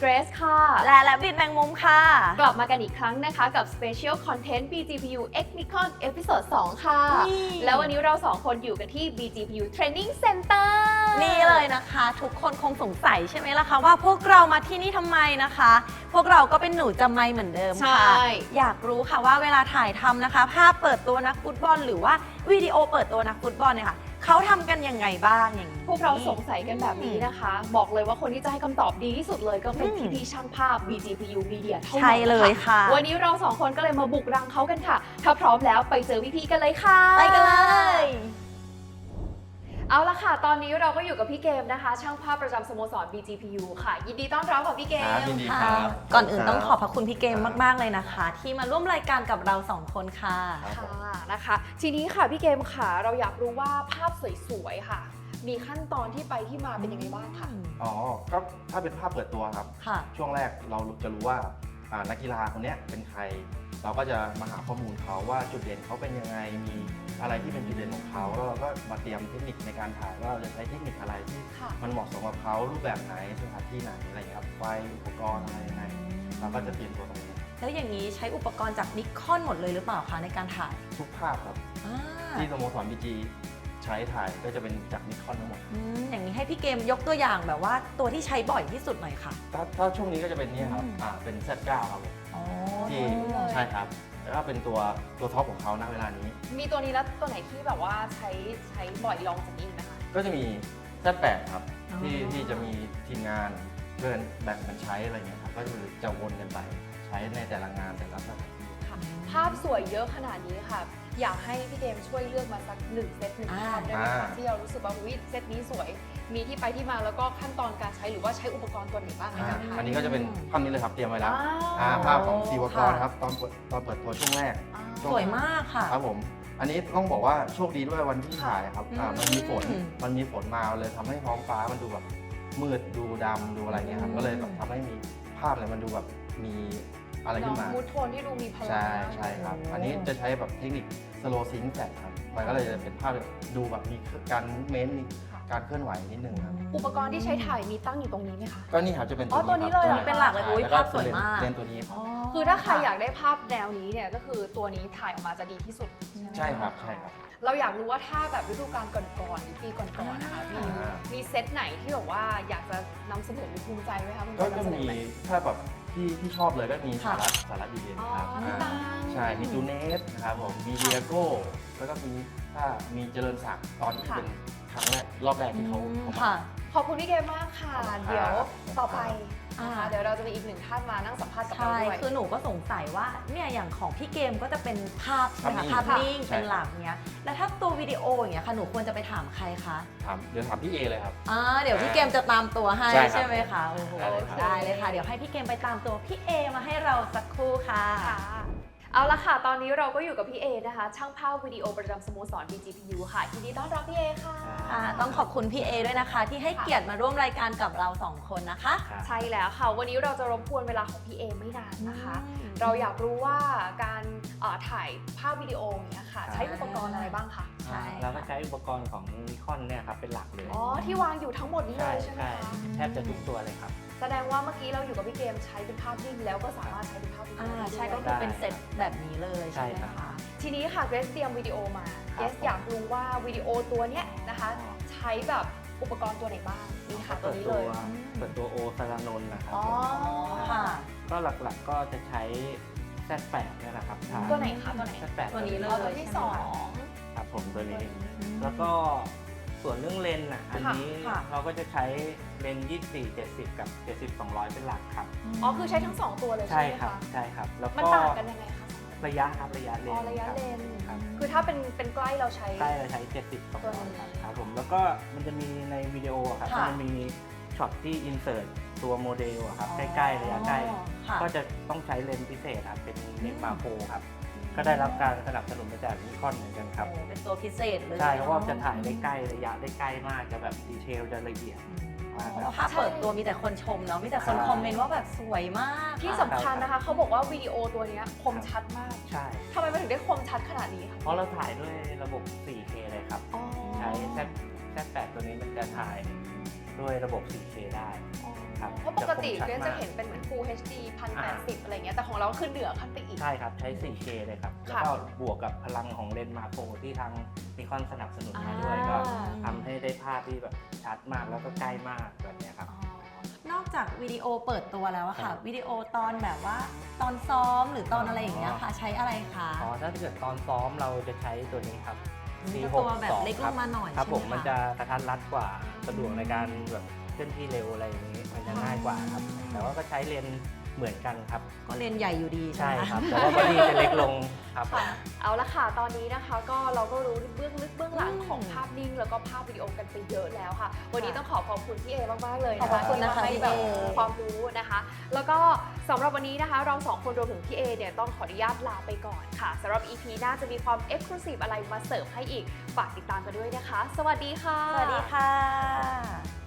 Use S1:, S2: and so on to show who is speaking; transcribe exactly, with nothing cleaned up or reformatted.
S1: เกรซค่ะ
S2: และและบิดแมงมุมค่ะ
S1: กลับมากันอีกครั้งนะคะกับ Special Content บี จี พี ยู X Nikon Episode สองค่ะแล้ววันนี้เราสองคนอยู่กันที่ บี จี พี ยู Training Center
S2: นี่เลยนะคะทุกคนคงสงสัยใช่ไหมล่ะคะว่าพวกเรามาที่นี่ทำไมนะคะ พวกเราก็เป็นหนูจำไม่เหมือนเดิมค่ะอยากรู้ค่ะว่าเวลาถ่ายทำนะคะภาพเปิดตัวนักฟุตบอลหรือว่าวิดีโอเปิดตัวนักฟุตบอลเนี่ยค่ะเขาทำกันยังไงบ้างอย่างนี้
S1: พวกเราสงสัยกันแบบนี้นะคะบอกเลยว่าคนที่จะให้คำตอบดีที่สุดเลยก็เป็นพี่พี่ช่างภาพ บี จี พี ยู Media เท่านั้น
S2: ใช่เลยค่ะ
S1: วันนี้เราสองคนก็เลยมาบุกรังเขากันค่ะถ้าพร้อมแล้วไปเจอพี่ๆกันเลยค่ะ
S2: ไปกันเลย
S1: เอาละค่ะตอนนี้เราก็อยู่กับพี่เกมนะคะช่างภาพประจำสโมสร บี จี พี ยู ค่ะยินดีต้อนรับค่ะพี่เกม
S3: ยินดีครับ
S2: ก่อนอื่นต้องขอบพระคุณพี่เกมมากๆเลยนะคะที่มาร่วมรายการกับเราสองคนค่ะ
S1: ค่ะนะคะทีนี้ค่ะพี่เกมค่ะเราอยากรู้ว่าภาพสวยๆค่ะมีขั้นตอนที่ไปที่มาเป็นยังไงบ้างคะ
S3: อ๋อก็ถ้าเป็นภาพเปิดตัวครับช่วงแรกเราจะรู้ว่านักกีฬาคนนี้เป็นใครเราก็จะมาหาข้อมูลเขาว่าจุดเด่นเขาเป็นยังไงมีอะไรที่เป็นจุดเด่นของเขาแล้วเราก็มาเตรียมเทคนิคในการถ่ายว่าเราจะใช้เทคนิคอะไรที่มันเหมาะสมกับเขารูปแบบไหนสถานที่ไหนอะไรครับไฟอุปกรณ์อะไรยังไงเราก็จะเตรียมตัวตรงนี้
S2: แล้วอย่างนี้ใช้อุปกรณ์จากนิคอนหมดเลยหรือเปล่าคะในการถ่าย
S3: ทุกภาพครับที่สโมสร บี จี ใช้ถ่ายก็จะเป็นจากนิคอนทั้งหมด
S2: ออย่างนี้ให้พี่เกมยกตัวอย่างแบบว่าตัวที่ใช้บ่อยที่สุดหน่อยค่ะ
S3: ถ้าถ้าช่วงนี้ก็จะเป็นนี่ครับอ่าเป็น เซด เก้า ครับที่ใช่ครับแล้วก็เป็นตัวตัวท็อปของเขาณเวลานี้
S1: มีตัวนี้แล้วตัวไหนที่แบบว่าใช้ใช้บ่อยลองจากนี้นะคะ
S3: ก็จะมี เซด แปด ครับที่ที่จะมีทีมงานเพื่อนแบ่งกันใช้อะไรเงี้ยครับก็คือจะวนกันไปใช้ในแต่ละงานแต่ละสถานที่
S1: ค่ะภาพสวยเยอะขนาดนี้ค่ะอยากให้พี่เกมช่วยเลือกมาสักหนึ่งเซตหนึ่งภาพได้ไหมคะที่เรารู้สึกว่าวิเซตนี้สวยมีที่ไปที่มาแล้วก็ขั้นตอนการใช้หรือว่าใช้อุปกรณ์ตัวไหนบ้างในการถ่าย
S3: อันนี้ก็จะเป็นภาพนี้เลยครับเตรียมไว้แล้วภาพของซีวกรครับตอนตอนเปิดตัวช่วงแรก
S2: สวยมากค่ะ
S3: ครับผมอันนี้ต้องบอกว่าโชคดีด้วยวันที่ถ่ายครับมันมีฝนมันมีฝนมาเลยทำให้ท้องฟ้ามันดูแบบมืดดูดำดูอะไรเงี้ยครับก็เลยแบบทำให้มีภาพอะไรมันดูแบบมีอะไรขึ้นมา
S1: มูดโทนที่ดูมีพลัง
S3: ใช่ใช่ครับอันนี้จะใช้แบบเทคนิคสโลว์ซิงค์แฟลชครับมันก็เลยจะเป็นภาพดูแบบมีการมูฟเมนต์การเคลื่อนไหวนิดนึงครับ
S1: อุปกรณ์ที่ใช้ถ่ายมีตั้งอยู่ตรงนี้ไหมคะ
S3: ก็นี่ครับจะเป็น
S1: อ๋อตัวนี้เลย
S2: เป็นหลักเลยภาพสวยมาก
S3: เลนตัวนี้
S1: คือถ้าใครอยากได้ภาพแนวนี้เนี่ยก็คือตัวนี้ถ่ายออกมาจะดีที่สุด
S3: ใช่ครับใช่ครับ
S1: เราอยากรู้ว่าถ้าแบบฤดูกาลก่อนๆหรือปีก่อนๆนะคะมีมีเซตไหนที่แบบว่าอยากจะนำเสนอหรือภูมิใจไหมคะ
S3: ก็จะมีถ้าแบบที่ที่ชอบเลยก็มีสาระสาระดีเด่นครับใช่มีจูเนสนะครับผมมีเดียโก้แล้วก็มีถ้ามีเจริญศักดิ์ตอนที่เป็นครั้งแรกรอบแรกที่เขา
S1: ค่ะขอบคุณพี่เกมมากค่ะเดี๋ยวต่อไปเดี๋ยวเราจะมีอีกหนึ่งท่านมานั่งสัมภาษณ์กับเราด้วย
S2: คือหนูก็สงสัยว่าเนี่ยอย่างของพี่เกมก็จะเป็นภาพใช่ไหมคะภาพนิ่งเป็นหลักเนี้ยแล้วถ้าตัววิดีโออย่างเงี้ยค่ะหนูควรจะไปถามใครคะ
S3: ถามเดี๋ยวถามพี่เอเลยครับ
S2: อ่าเดี๋ยวพี่เกมจะตามตัวให้ใช่ไหมคะโอ้โหได้เลยค่ะเดี๋ยวให้พี่เกมไปตามตัวพี่เอมาให้เราสักครู่ค่ะเอาละค่ะตอนนี้เราก็อยู่กับพี่เอนะคะช่างภาพวิดีโอประจำสโมสร บี จี พี ยู ค่ะยินดีต้อนรับพี่เอค่ะต้องขอบคุณพี่เอด้วยนะคะที่ให้เกียรติมาร่วมรายการกับเราสองคนนะคะ
S1: ใช่แล้วค่ะวันนี้เราจะรบกวนเวลาของพี่เอไม่นานนะคะเราอยากรู้ว่าการถ่ายภาพวิดีโอเนี่ยค่ะใช้อุปกรณ์อะไรบ้างคะ
S4: ใช่เราก็ใช้อุปกรณ์ของนิคอนเนี่ยครับเป็นหลักเลย
S1: อ๋อที่วางอยู่ทั้งหมดนี้เลยใช่ไหมคะ
S4: แทบจะทุกตัวเลยครับ
S1: แสดงว่าเมื่อกี้เราอยู่กับพี่เกมใช้เป็นภาพนิ่งแล้วก็สามารถใช้เป็นภาพวิดีโอ
S2: ใช่ก็คือเป็นเซตแบบนี้เลยใช่ไหมคะ
S1: ทีนี้ค่ะเกรซเตรียมวิดีโอมาเกรซอยากรู้ว่าวิดีโอตัวเนี้ยนะคะใช้แบบอุปกรณ์ตัวไหนบ้างนี่ค่ะตัวนี้เลย
S4: เปิดตัวโอสารนนท์นะครับ
S1: อ๋อค่ะ
S4: ก็หลักๆก็จะใช้ เซด แปด เนี่ยนะครับ
S1: ตัวไหนคะตัวไหน
S4: เซด แปด
S1: ตัวนี้เลยตัวที่สอง
S4: ครับผมตัวนี้แล้วก็ส่วนเรื่องเลนส์อ่ะอันนี้เราก็จะใช้เลนส์ยี่สิบสี่ เจ็ดสิบกับเจ็ดสิบ สองร้อยเป็นหลักครับ
S1: อ๋อคือใช้ทั้งสองตัวเลยใช่ไหมคะ
S4: ใช่ครับใช่ครับ
S1: แล้วก็มันต่างกันยังไงคะ
S4: ระยะครับระยะเลนส์
S1: อ๋อระยะเลนส์คือถ้าเป็นเป็นใกล้เราใช้
S4: ใกล้เราใช้เจ็ดสิบ สองร้อยครับผมแล้วก็มันจะมีในวิดีโอครับมันมีช็อตที่อินเสิร์ตตัวโมเดลครับใกล้ๆระยะใกล้ก็จะต้องใช้เลนส์พิเศษครับเป็นเลนส์มาโครครับก็ได้รับการสนับสนุนมาจากนิคอนเหมือนกันครับ
S2: เป็นตัวพิเศษเลย
S4: ใช่เพราะว่าจะถ่ายได้ใกล้ระยะได้ใกล้มากจะแบบดีเทลจะละเอียด
S2: ภาพเปิดตัวมีแต่คนชมเนาะมีแต่คนคอมเมนต์ว่าแบบสวยมาก
S1: ที่สำคัญนะคะเขาบอกว่าวิดีโอตัวนี้คมชัดมาก
S4: ใช่
S1: ทำไมมันถึงได้คมชัดขนาดนี้คะ
S4: เพราะเราถ่ายด้วยระบบ โฟร์เค เลยครับใช้ เซด แปด ตัวนี้มันจะถ่ายด้วยระบบ โฟร์เค ได้ครับ
S1: เพราะปกติ
S4: ชัด
S1: เกรซ
S4: มาก
S1: จะเห็นเป็นเหมือน Full เอช ดี หนึ่งพันแปดสิบ อะไรเงี้ยแต่ของเราขึ้นเหนือขั้นไปอีก
S4: ใช่ครับใช้ โฟร์เค เลยครับ แล้ว
S1: ค่ะ
S4: ก็บวกกับพลังของเลนส์มาโครที่ทางนิคอนสนับสนุนมาด้วย
S2: อ่า
S4: ก็ทำให้ได้ภาพที่แบบชัดมากแล้วก็ใกล้มากแบบเนี้ยครับ
S2: นอกจากวิดีโอเปิดตัวแล้วอะค่ะ วิดีโอตอนแบบว่าตอนซ้อมหรือตอนอะไรอย่างเงี้ยค่ะ ใช้อะไรคะ
S4: อ๋อถ้าเกิดตอนซ้อมเราจะใช้ตัวนี้ครับ ซี หก
S2: ตัวแบบ
S4: สอง
S2: เล็กลงมาหน่อย
S4: ครับ
S2: ใช่
S4: ผ
S2: ไห
S4: ม
S2: ม
S4: มัน
S2: คะ
S4: จะกระทัดรัดกว่าสะดวกในการแบบเคลื่อนที่เร็วอะไรอย่างนี้ มันจะง่ายกว่าครับ แต่ว่าก็ใช้เลนส์เหมือนกันครับ
S2: ก็เลนส์ใหญ่อยู่ดีใช่
S4: ใช่
S2: ไหม
S4: ครับ แต่ว่าบอดี้จะเล็กลงครับผม
S1: ค่ะเอาละค่ะ ตอนนี้นะคะก็เราก็รู้เบื้องลึกเบื้องหลัง
S2: อืม
S1: ของภาพนิ่งแล้วก็ภาพวิดีโอกันไปเยอะแล้วค่ะ วันนี้
S2: ค่ะ
S1: ต้องขอขอบคุณพี่เอมากๆเลย
S2: ขอบ
S1: นะคะ
S2: คุณ
S1: ที่
S2: นะคะ
S1: มาให้
S2: พี่
S1: แบบ
S2: เอ
S1: ความรู้นะคะ แล้วก็สำหรับวันนี้นะคะ เราสองคนรวมถึงพี่เอเนี่ยต้องขออนุญาตลาไปก่อนค่ะสำหรับ อี พี หน้าจะมีความ Exclusive อะไรมาเสิร์ฟให้อีกฝากติดตามกันด้วยนะคะ สวัสดีค่ะ
S2: สวัสดีค่ะ